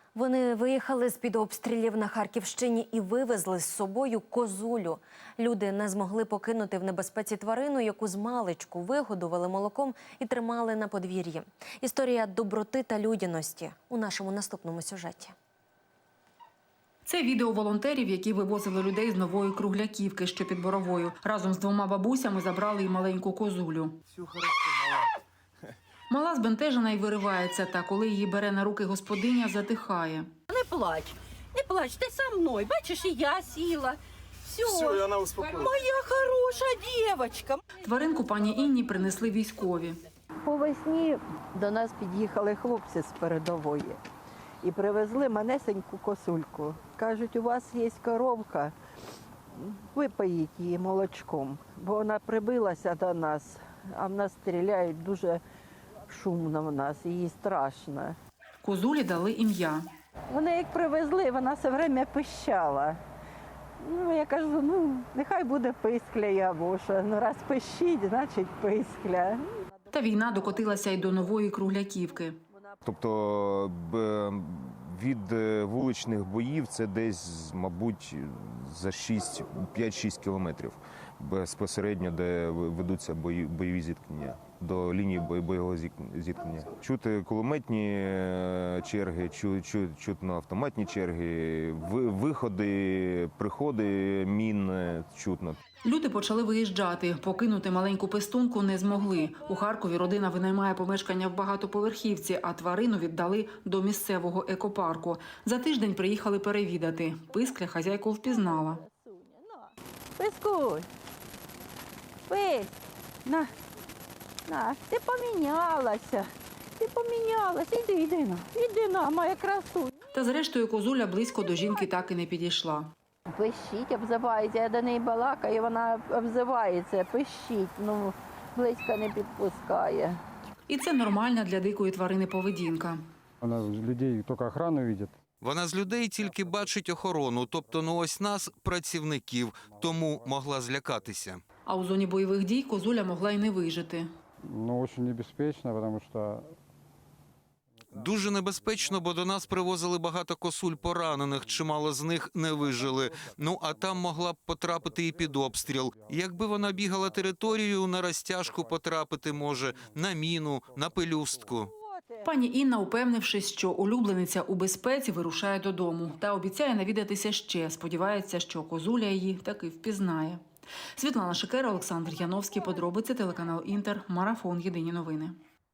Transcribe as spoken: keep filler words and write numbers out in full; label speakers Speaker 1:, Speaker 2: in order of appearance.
Speaker 1: Вони виїхали з-під обстрілів на Харківщині і вивезли з собою козулю. Люди не змогли покинути в небезпеці тварину, яку змалечку вигодували молоком і тримали на подвір'ї. Історія доброти та людяності у нашому наступному сюжеті.
Speaker 2: Це відео волонтерів, які вивозили людей з Нової Кругляківки, що під Боровою. Разом з двома бабусями забрали й маленьку козулю. Мала збентежена і виривається, та коли її бере на руки господиня, затихає.
Speaker 3: Не плач, не плач, ти со мною. Бачиш, і я сіла. Все,
Speaker 4: Все, і вона успокоїлась.
Speaker 3: Моя хороша дівчинка.
Speaker 2: Тваринку пані Інні принесли військові.
Speaker 5: По весні до нас під'їхали хлопці з передової і привезли манесеньку косульку. Кажуть, у вас є коровка, випоїть її молочком, бо вона прибилася до нас, а в нас стріляють дуже шумно в нас, їй страшно.
Speaker 2: Козулі дали ім'я.
Speaker 5: Вони як привезли, вона все время пищала. Ну, я кажу, ну, нехай буде пискля Ябуша. Ну, раз пищить, значить пискля.
Speaker 2: Та війна докотилася й до Нової Кругляківки.
Speaker 4: Тобто від вуличних боїв це десь, мабуть, за п'ять-шість кілометрів безпосередньо, де ведуться бої, бойові зіткнення, до лінії бойового зіткнення. Чути кулеметні черги, чу, чу, чутно автоматні черги, виходи, приходи мін чутно.
Speaker 2: Люди почали виїжджати. Покинути маленьку пестунку не змогли. У Харкові родина винаймає помешкання в багатоповерхівці, а тварину віддали до місцевого екопарку. За тиждень приїхали перевідати. Пискля хазяйку впізнала.
Speaker 5: Пискуй, пись, на, на, ти помінялася, ти помінялася, іди, іди на, іди на, моя красуня.
Speaker 2: Та зрештою козуля близько до жінки так і не підійшла.
Speaker 5: Пищить, обзивається, я до неї балакаю, вона обзивається, пищить, ну, близько не підпускає.
Speaker 2: І це нормальна для дикої тварини поведінка.
Speaker 6: Вона людей тільки охрану бачить.
Speaker 7: Вона з людей тільки бачить охорону, тобто ну ось нас, працівників, тому могла злякатися.
Speaker 2: А у зоні бойових дій козуля могла й не вижити.
Speaker 6: Ну, дуже небезпечно, тому що...
Speaker 7: Дуже небезпечно, бо до нас привозили багато косуль поранених, чимало з них не вижили. Ну, а там могла б потрапити і під обстріл. Якби вона бігала територією, на розтяжку потрапити може, на міну, на пелюстку.
Speaker 2: Пані Інна, упевнившись, що улюблениця у безпеці, вирушає додому. Та обіцяє навідатися ще. Сподівається, що козуля її таки впізнає. Світлана Шикера, Олександр Яновський. Подробиці, телеканал Інтер. Марафон. Єдині новини.